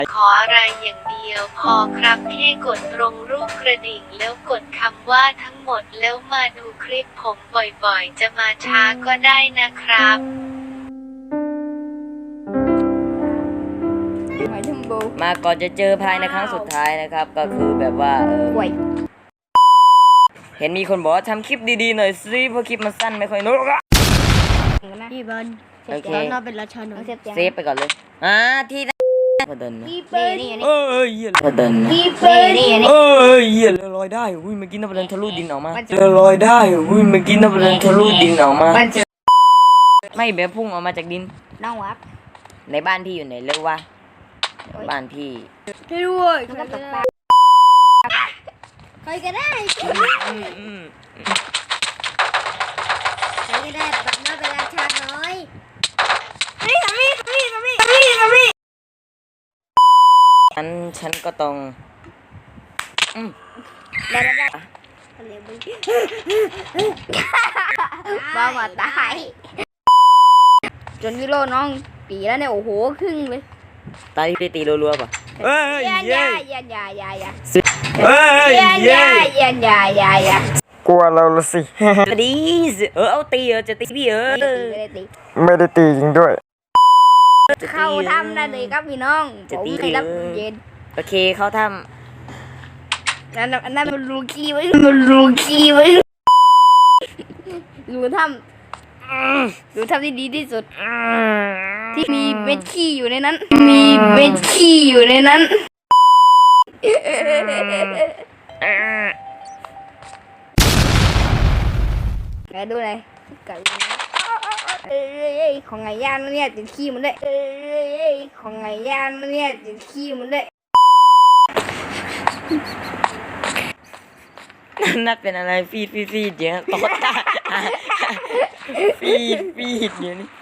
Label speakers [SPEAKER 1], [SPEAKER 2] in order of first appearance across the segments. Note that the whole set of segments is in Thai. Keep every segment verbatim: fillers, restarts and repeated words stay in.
[SPEAKER 1] ขออะไรอย่างเดียวพอครับแค่กดตรงรูปกระดิ่งแล้วกดคำว่าทั้งหมดแล้วมาดูคลิปผมบ่อยๆจะมาช้าก็ได้นะครับ
[SPEAKER 2] มาก่อนจะเจอภายในครั้งสุดท้ายนะครับก็คือแบบว่าเออเห็นมีคนบอกว่าทำคลิปดีๆหน่อยสิเพราะคลิปมันสั้นไม่ค่อยนุกอะ
[SPEAKER 3] พี่บอล
[SPEAKER 2] โอเค
[SPEAKER 3] เราเป็นราชาหนุ่ม
[SPEAKER 2] เซฟไปก่อนเลยอ่าที่พอเดินนะ
[SPEAKER 3] พี่เปิ้ลนี่
[SPEAKER 2] เออเหี้ยพอเดินนะ
[SPEAKER 3] พี่เปิ้ลนี่
[SPEAKER 2] เออเหี้ยลอยได้อุ้ยเมื่อกี้นับเดินทะลุดินออกมาลอยได้อุ้ยเมื่อกี้นับเดินทะลุดินออกมาไม่แบบพุ่งออกมาจากดิน
[SPEAKER 3] น้องวับ
[SPEAKER 2] ในบ้านพี่อยู่ไหนเรียกว่าบ้านพี่
[SPEAKER 3] ช่วยด้วยใครก็ได้ใครก็ได้ใครก็ได้แบบน่าเป็นราชาน้อยนี่ทำนี่ทำนี่ทำนี่ทำนี่ทำนี่
[SPEAKER 2] ฉันฉันก็ต้องอืม
[SPEAKER 3] ได้แล้วได้ทะเลบึ้งบ้ามาตายจนวิโรน้องปีแล้วเนี่ยโอ้โหครึ่งเลย
[SPEAKER 2] ตาที่ตีรัวๆป่ะเอ้ย
[SPEAKER 3] ยัน
[SPEAKER 2] เย้
[SPEAKER 3] ยายันยายันยา
[SPEAKER 2] เอ้ย
[SPEAKER 3] ยัน
[SPEAKER 2] เย้
[SPEAKER 3] ยายันยายันยาก
[SPEAKER 4] ลัวเราละสิ
[SPEAKER 2] ดีสิเออเอาตีเออจะตีพี่เออ
[SPEAKER 4] ไม่ได้ตีจริงด้วย
[SPEAKER 3] เข้าทำได้เลยครับพี่น้องผมให้รับเย็น
[SPEAKER 2] โอเคเขาท
[SPEAKER 3] นั่นนั่นมันรูกี้ไว้มันรูกี้ไว้รูทำรูทำที่ดีที่สุด
[SPEAKER 2] ำ
[SPEAKER 3] ที่มีเม็ดขี้อยู่ในนั้น มีเม็ดขี้อยู่ในนั้นไหนดูหน่อยกัดเอ้ยของไงย่างเนี่ยติดขี้มันด้วยเอ้ยของไงย่างเนี่ยติดขี้มันด้วย
[SPEAKER 2] นัดเป็นอะไรฟีดฟีดฟีดเยอะตดตาฟีดฟีดเดี๋ยวนี้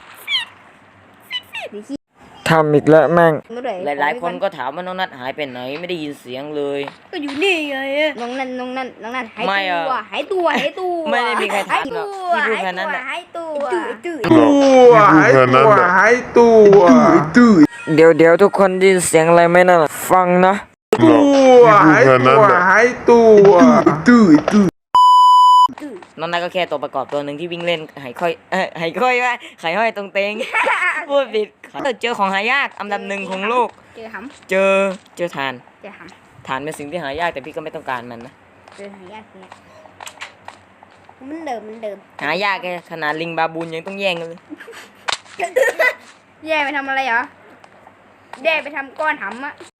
[SPEAKER 4] ทำอีกแล้วแม่ง
[SPEAKER 2] หลายๆคนก็ถามว่าน้องนัดหายไปไหนไม่ได้ยินเสียงเลย
[SPEAKER 3] ก็อยู่นี่ไงน้องนั่นน้องนั่นน้องนั่นหาย
[SPEAKER 2] ไม่
[SPEAKER 3] ตั
[SPEAKER 2] อะ
[SPEAKER 3] วหายตัวหายตัว
[SPEAKER 2] ไม่ได้มีใครถามหรอกพี่พูดแค่นั้นแหละ
[SPEAKER 3] หายตัว
[SPEAKER 4] ตัวหายตัวหายตัวเดี๋ยวเดี๋ยวทุกคนได้ยินเสียงอะไรไหมนั่นฟังนะตัวหายตัวหายตัวตื้อตื้อ
[SPEAKER 2] น้องนัดก็แค่ตัวประกอบตัวหนึ่งที่วิ่งเล่นหายค่อยเออหายค่อยว่าหายห้อยตรงเตงพูดผิดเจอของหายากอันดับหนึ่งของโลก
[SPEAKER 3] เจอห
[SPEAKER 2] เจอเจอทาน
[SPEAKER 3] ำเจอห
[SPEAKER 2] ฐานเป็นสิ่งที่หายากแต่พี่ก็ไม่ต้องการมันนะ
[SPEAKER 3] ำเจอหายากเนี่ยมันเดิมมันเดิม
[SPEAKER 2] หายากแค่ขนาดลิงบาบูนยังต้องแย่งกันเลย
[SPEAKER 3] แย่ไปทำอะไรเหรอแย่ไปทำก้อนหำอะ